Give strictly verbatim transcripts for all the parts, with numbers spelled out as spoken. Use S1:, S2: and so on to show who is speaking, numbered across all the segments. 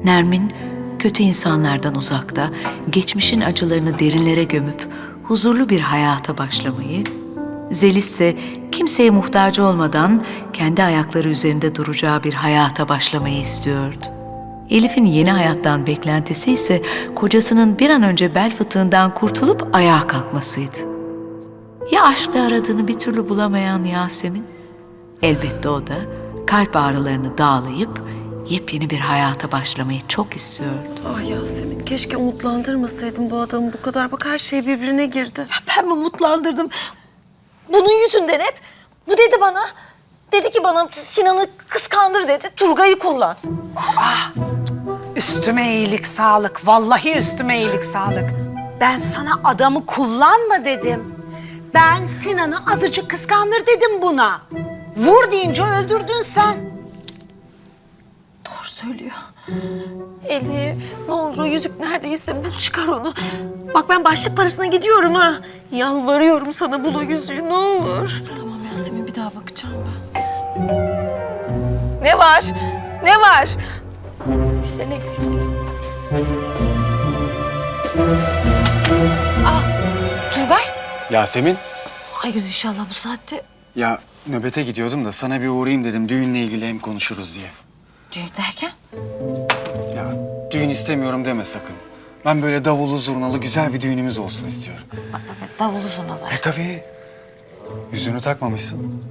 S1: Nermin, kötü insanlardan uzakta, geçmişin acılarını derinlere gömüp huzurlu bir hayata başlamayı, Zeliş ise kimseye muhtaç olmadan kendi ayakları üzerinde duracağı bir hayata başlamayı istiyordu. Elif'in yeni hayattan beklentisi ise kocasının bir an önce bel fıtığından kurtulup ayağa kalkmasıydı. Ya aşkla aradığını bir türlü bulamayan Yasemin? Elbette o da kalp ağrılarını dağlayıp yepyeni bir hayata başlamayı çok istiyordu.
S2: Ah Yasemin, keşke umutlandırmasaydım bu adamı bu kadar. Bak her şey birbirine girdi.
S3: Ben mi umutlandırdım? Bunun yüzünden hep. Bu dedi bana. Dedi ki bana Sinan'ı kıskandır dedi. Turgay'ı kullan.
S4: Üstüme iyilik sağlık. Vallahi üstüme iyilik sağlık. Ben sana adamı kullanma dedim. Ben Sinan'ı azıcık kıskandır dedim buna. Vur deyince öldürdün sen.
S3: Doğru söylüyor. Elif, ne olur o yüzük neredeyse bul çıkar onu. Bak ben başlık parasına gidiyorum ha. Yalvarıyorum sana bul o yüzüğü ne olur.
S2: Tamam Yasemin, bir daha bakacağım ben.
S3: Ne var? Ne var? Bir sen eksiktin. Ah, Turgay.
S5: Yasemin,
S3: Hayır inşallah bu saatte.
S5: ya nöbete gidiyordum da sana bir uğrayayım dedim. Düğünle ilgili hem konuşuruz diye.
S3: Düğün derken?
S5: Ya düğün istemiyorum deme sakın. Ben böyle davullu zurnalı güzel bir düğünümüz olsun istiyorum.
S3: Evet, davulu zurnalar.
S5: E tabii. Yüzüğünü takmamışsın.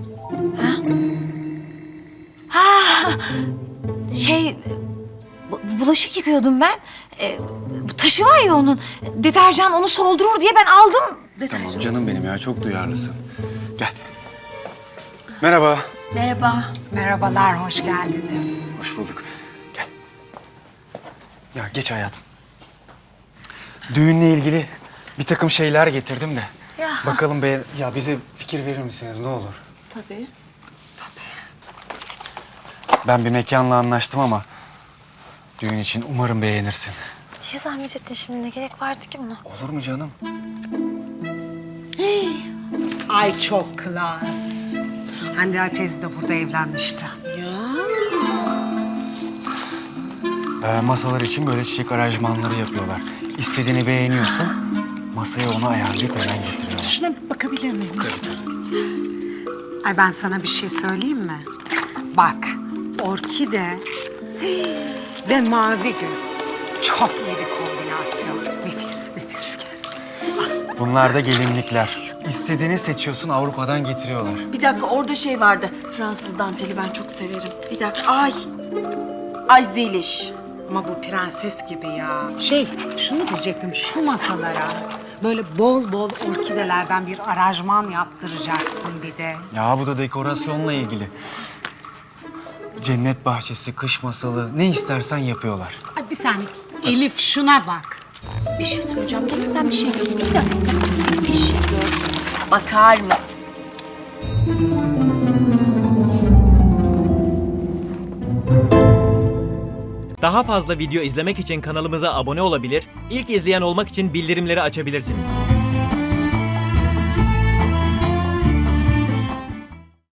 S6: Şey, bu- bulaşık yıkıyordum ben. Ee, bu taşı var ya onun, deterjan onu soldurur diye ben aldım. Deterjan.
S5: Tamam canım benim ya, çok duyarlısın. Gel. Merhaba.
S3: Merhaba.
S4: Merhabalar, hoş geldiniz.
S5: Hoş bulduk. Gel. Ya geç hayatım. Düğünle ilgili bir takım şeyler getirdim de.
S3: Ya.
S5: Bakalım be, ya bize fikir verir misiniz ne olur?
S3: Tabii.
S5: Ben bir mekanla anlaştım ama düğün için umarım beğenirsin.
S3: Niye zahmet ettin şimdi? Ne gerek vardı ki buna?
S5: Olur mu canım?
S4: Ay çok klas. Hande teyze de burada evlenmişti.
S5: Ee, masalar için böyle çiçek aranjmanları yapıyorlar. İstediğini beğeniyorsun, masaya onu ayarlayıp hemen getiriyorlar.
S4: Şuna bir bakabilir miyim? Ay ben sana bir şey söyleyeyim mi? Bak, orkide ve mavi gül. Çok iyi bir kombinasyon. Nefis, nefis gerçekten.
S5: Bunlar da gelinlikler. İstediğini seçiyorsun, Avrupa'dan getiriyorlar.
S2: Bir dakika, orada şey vardı. Fransız danteli ben çok severim.
S3: Bir dakika. Ay. Ay Zeliş.
S4: Ama bu prenses gibi ya. Şey, şunu diyecektim, şu masalara böyle bol bol orkidelerden bir aranjman yaptıracaksın bir de.
S5: Ya bu da dekorasyonla ilgili. Cennet bahçesi, kış masalı, ne istersen yapıyorlar.
S4: Ay bir saniye, Elif şuna bak.
S2: Bir şey söyleyeceğim. Dur ben bir şey göreyim. Bir dakika. Bir şey gördüm. Bakar mısın?
S7: Daha fazla video izlemek için kanalımıza abone olabilir, ilk izleyen olmak için bildirimleri açabilirsiniz.